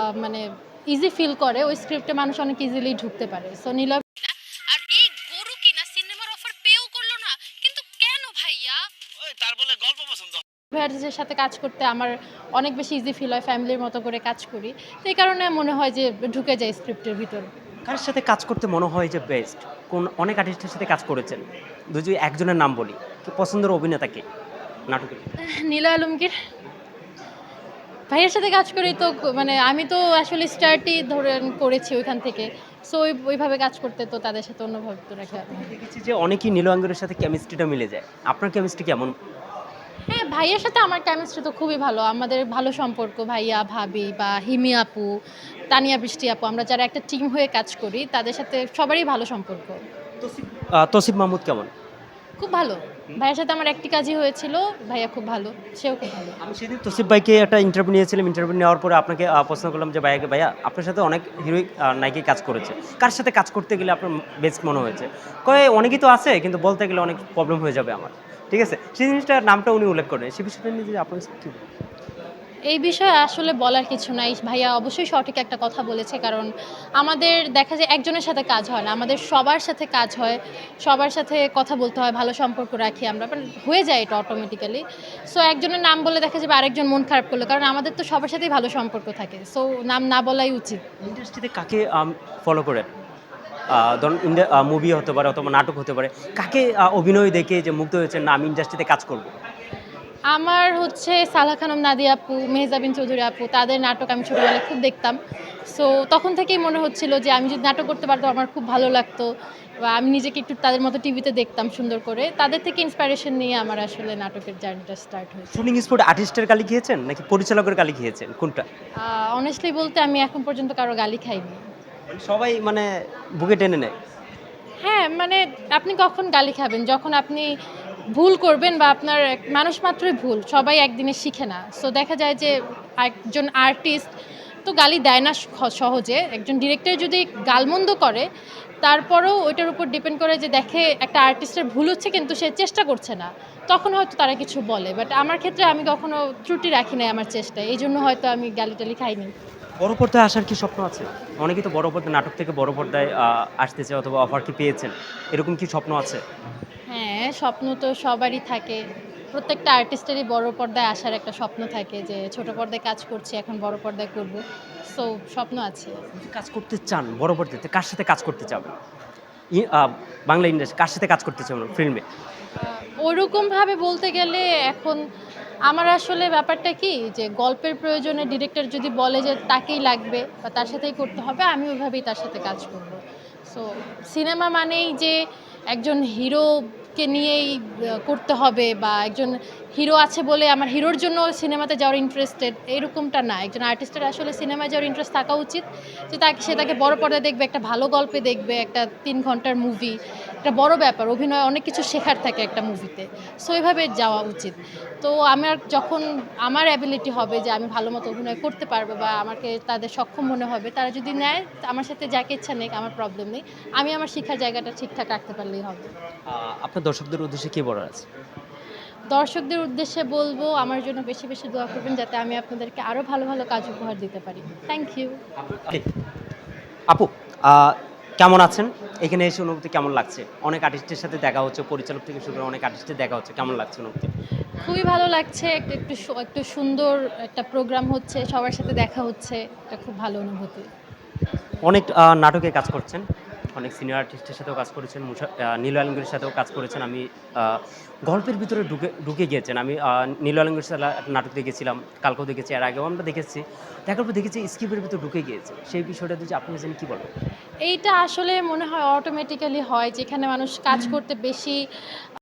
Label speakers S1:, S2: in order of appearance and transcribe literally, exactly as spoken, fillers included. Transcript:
S1: মানে easy feel করে ওই স্ক্রিপ্টে মানুষ অনেক ইজিলি ঢুকতে পারে। সো নীলয়
S2: আর এই গরু কিনা সিনেমার অফার পেও করলো না, কিন্তু কেন ভাইয়া? ওই তার বলে গল্প পছন্দ।
S1: ভাইয়াদের সাথে কাজ করতে আমার অনেক বেশি ইজি ফিল হয়, ফ্যামিলির মতো করে কাজ করি। তো এই কারণে মনে হয় যে ঢুকে যায় স্ক্রিপ্টের ভিতর।
S3: কার সাথে কাজ করতে মনে হয় যে বেস্ট? কোন অনেক আর্টিস্টের সাথে কাজ করেছেন। যদি একজনের নাম বলি, কি পছন্দের অভিনেতা কে? নাটকের ভিতরে?
S1: নীলয় আলমগীর। ভাইয়ার সাথে কাজ করি তো মানে আমি তো আসলে স্টার্টই ধরেন করেছি ওইখান থেকে। সো ওই ওইভাবে কাজ করতে তো তাদের সাথে অন্যভাবে তো রাখা
S3: সবথেকে দেখেছি যে অনেকেই নীল আঙ্গুরের সাথে কেমিস্ট্রিটা মিলে যায়। আপনার কেমিস্ট্রি কেমন?
S1: হ্যাঁ, ভাইয়ার সাথে আমার কেমিস্ট্রি তো খুবই ভালো। আমাদের ভালো সম্পর্ক ভাইয়া, ভাবি বা হিমি আপু, তানিয়া বৃষ্টি আপু আমরা যারা একটা টিম হয়ে কাজ করি তাদের সাথে সবারই ভালো সম্পর্ক।
S3: তসিফ আ তসিফ মাহমুদ কেমন?
S1: খুব ভালো। ভাইয়ার সাথে আমার একটি কাজই হয়েছিল। ভাইয়া খুব ভালো। সেও খুব ভালো।
S3: আমি সেদিন তসিফ ভাইকে একটা ইন্টারভিউ নিয়েছিলাম। ইন্টারভিউ নেওয়ার পরে আপনাকে আ প্রশ্ন করলাম যে ভাইয়াকে, "ভাইয়া আপনার সাথে অনেক হিরোইক আ নায়িকাই কাজ করেছে। কার সাথে কাজ করতে গেলে আপনার বেস্ট মনে হয়েছে?" কয়, "অনেকেই তো আছে কিন্তু বলতে গেলে অনেক প্রবলেম হয়ে যাবে আমার।" ঠিক আছে? সেই জিনিসটার নামটা উনি উল্লেখ করেন। সেই বিষয়টা নিয়ে যদি আপনার কাছে কি বলবেন?
S1: এই বিষয়ে আসলে বলার কিছু নাই। ভাইয়া অবশ্যই সঠিক একটা কথা বলেছে। কারণ আমাদের দেখা যায় একজনের সাথে কাজ হয় না। আমাদের সবার সাথে কাজ হয়। সবার সাথে কথা বলতে হয়, ভালো সম্পর্ক রাখি আমরা। বাট হয়ে যায় এটা অটোমেটিক্যালি। সো একজনের নাম বলে দেখা যাবে আরেকজন মন খারাপ করলো। কারণ আমাদের তো সবার সাথেই ভালো সম্পর্ক থাকে। সো নাম না বলাই উচিত।
S3: ইন্ডাস্ট্রিতে কাকে আম ফলো করেন? আ ধরুন ইন্ডা আ মুভি হতে পারে অথবা নাটক হতে পারে। কাকে আ অভিনয় দেখে যে মুগ্ধ হয়েছেন, না আমি ইন্ডাস্ট্রিতে কাজ করব?
S1: আমার হচ্ছে সালেহা খানম নাদিয়া আপু, মেহজাবিন চৌধুরী আপু তাদের নাটক আমি ছোটবেলায় খুব দেখতাম। সো তখন থেকেই মনে হচ্ছিল যে আমি যদি নাটক করতে পারতাম আমার খুব ভালো লাগতো বা আমি নিজেকে একটু তাদের মতো টিভিতে দেখতাম সুন্দর করে। তাদের থেকে ইন্সপিরেশন নিয়ে আমার আসলে নাটকের জার্নিটা স্টার্ট হয়েছে।
S3: শুটিং স্পট আর্টিস্টের গালি খেয়েছেন নাকি পরিচালকের গালি খেয়েছেন? কোনটা?
S1: আ অনেস্টলি বলতে আমি এখন পর্যন্ত কারো গালি খাইনি।
S3: মানে সবাই মানে বুকে টেনে নেয়।
S1: হ্যাঁ, মানে আপনি কখন গালি খাবেন? যখন আপনি ভুল করবেন বা আপনার এক মানুষ মাত্রই ভুল। সবাই একদিনে শিখে না। সো দেখা যায় যে একজন আর্টিস্ট তো গালি দেয় না স সহজে। একজন ডিরেক্টর যদি গালমন্দ করে, তারপরেও ওইটার উপর ডিপেন্ড করে যে দেখে একটা আর্টিস্টের ভুল হচ্ছে কিন্তু সে চেষ্টা করছে না। তখন হয়তো তারা কিছু বলে। বাট আমার ক্ষেত্রে আমি কখনো ত্রুটি রাখি নাই আমার চেষ্টায়। এইজন্য হয়তো আমি গালি-টালি খাইনি।
S3: বড় পর্দায় আসার কি স্বপ্ন আছে? অনেকেই তো বড় পর্দায় নাটক থেকে বড় পর্দায় আ আসতে চায় অথবা অফার কি পেয়েছেন? এরকম কি স্বপ্ন আছে?
S1: হ্যাঁ, স্বপ্ন তো সবারই থাকে। প্রত্যেকটা আর্টিস্টেরই বড় পর্দায় আসার একটা স্বপ্ন থাকে যে ছোট পর্দায় কাজ করছি, এখন বড় পর্দায় করব। সো স্বপ্ন আছে।
S3: যদি কাজ করতে চান বড় পর্দাতে কার সাথে কাজ করতে চাবেন? ই আ বাংলা ইন্ডাস্ট্রি কার সাথে কাজ করতে চান ফিল্মে?
S1: আ ওরকমভাবে বলতে গেলে এখন আমার আসলে ব্যাপারটা কি যে গল্পের প্রয়োজনে ডিরেক্টর যদি বলে যে তাকেই লাগবে বা তার সাথেই করতে হবে, আমি ওইভাবেই তার সাথে কাজ করব। সো সিনেমা মানেই যে একজন হিরোকে নিয়েই আ করতে হবে বা একজন হিরো আছে বলে আমার হিরোর জন্য সিনেমাতে যাওয়ার ইন্টারেস্টেড এরকমটা না। একজন আর্টিস্টের আসলে সিনেমায় যাওয়ার ইন্টারেস্ট থাকা উচিত যে তাকে সে তাকে বড় পর্দায় দেখবে, একটা ভালো গল্পে দেখবে, একটা তিন ঘন্টার মুভি। একটা বড় ব্যাপার। অভিনয়ে অনেক কিছু শেখার থাকে একটা মুভিতে। সো এভাবে যাওয়া উচিত। তো আমার যখন আমার অ্যাবিলিটি হবে যে আমি ভালো মতো অভিনয় করতে পারবো বা আমাকে তাদের সক্ষম মনে হবে, তারা যদি নেয় আমার সাথে যাকে ইচ্ছা নেক আমার প্রবলেম নেই। আমি আমার শিক্ষার জায়গাটা ঠিকঠাক রাখতে পারলেই হবে।
S3: আ আপনার দর্শকদের উদ্দেশ্যে কি বলার আছে?
S1: দর্শকদের উদ্দেশ্যে বলব আমার জন্য বেশি, বেশি দোয়া করবেন যাতে আমি আপনাদেরকে আরো ভালো, ভালো কাজ উপহার দিতে পারি। Thank you.
S3: আপু, আ কেমন আছেন? এখানে এসে অনুভূতি কেমন লাগছে? অনেক আর্টিস্টের সাথে দেখা হচ্ছে, পরিচালক থেকে শুরু করে অনেক আর্টিস্টের দেখা হচ্ছে। কেমন লাগছে অনুভূতি?
S1: খুবই ভালো লাগছে। একটু, একটু সু একটু সুন্দর একটা প্রোগ্রাম হচ্ছে। সবার সাথে দেখা হচ্ছে। এটা খুব ভালো অনুভূতি।
S3: অনেক আ নাটকে কাজ করছেন। অনেক সিনিয়র আর্টিস্টের সাথেও কাজ করেছেন। মুসা আ নীল আলমগীরের সাথেও কাজ করেছেন। আমি আ গল্পের ভিতরে ঢুকে ঢুকে গিয়েছেন। আমি আ নীল আলমগীরের সাথে একটা নাটক দেখেছিলাম। কালকেও দেখেছি, এর আগেও আমরা দেখেছি। দেখার পর দেখেছি স্ক্রিপ্টের ভিতরে ঢুকে গিয়েছে। সেই বিষয়টা যদি আপনি জানেন কি বলবেন?
S1: এইটা আসলে মনে হয় অটোমেটিক্যালি হয় যেখানে মানুষ কাজ করতে বেশি